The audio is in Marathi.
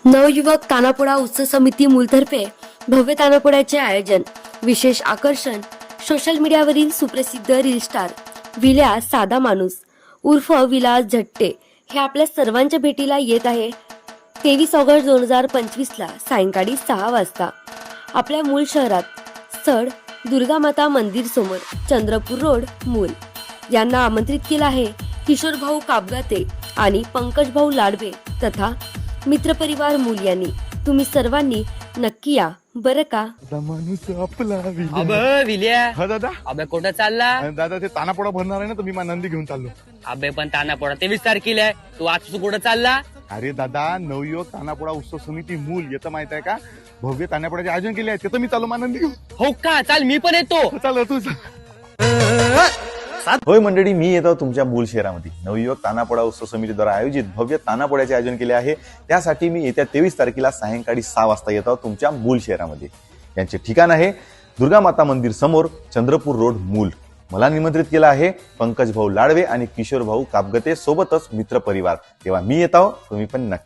नवयुवक तानापोळा उत्सव समिती मूलतर्फे भव्य तानापोळ्याचे आयोजन. विशेष आकर्षण सोशल मीडियावरील सुप्रसिद्ध रील स्टार विल्या साधा माणूस उर्फ विलास झट्टे हे आपल्या सर्वांच्या भेटीला येत आहे. 23 ऑगस्ट 2025 ला सायंकाळी 6 वाजता आपल्या मूळ शहरात स्थळ दुर्गा माता मंदिर समोर चंद्रपूर रोड मूल यांना आमंत्रित केलं आहे. किशोर भाऊ काबगाते आणि पंकज भाऊ लाडवे तथा मित्रपरिवार मूल यांनी. तुम्ही सर्वांनी नक्की या बरं का. माणूस आपला अब विल्या हा दादा. अबे कुठं चालला? दादा ते तानापोळा भरणार आहे ना, तर मी माझा नंदी घेऊन चाललो. अबे पण तानापोळा 23 तारखेला आहे. तू आज कुठं चालला? अरे दादा, नवयुवक तानापोळा उत्सव समिती मूल येतं माहित आहे का, भव्य तानापोळ्याचे आयोजन केले आहे, तिथं मी चालू माझा नंदी घेऊन. हो का? चाल मी पण येतो. चाल तू. होय मंडळी, मी येतो तुमच्या मूल शहरामध्ये. नवयुवक तानापोळा उत्सव समितीद्वारा आयोजित भव्य तानापोळ्याचे आयोजन केले आहे. त्यासाठी मी येत्या 23 तारखेला सायंकाळी 6 वाजता येतो तुमच्या मूल शहरामध्ये. यांचे ठिकाण आहे दुर्गा माता मंदिर समोर चंद्रपूर रोड मूल. मला निमंत्रित केलं आहे पंकज भाऊ लाडवे आणि किशोर भाऊ काबगते सोबतच मित्र परिवार. तेव्हा मी येतो, तुम्ही पण नक्की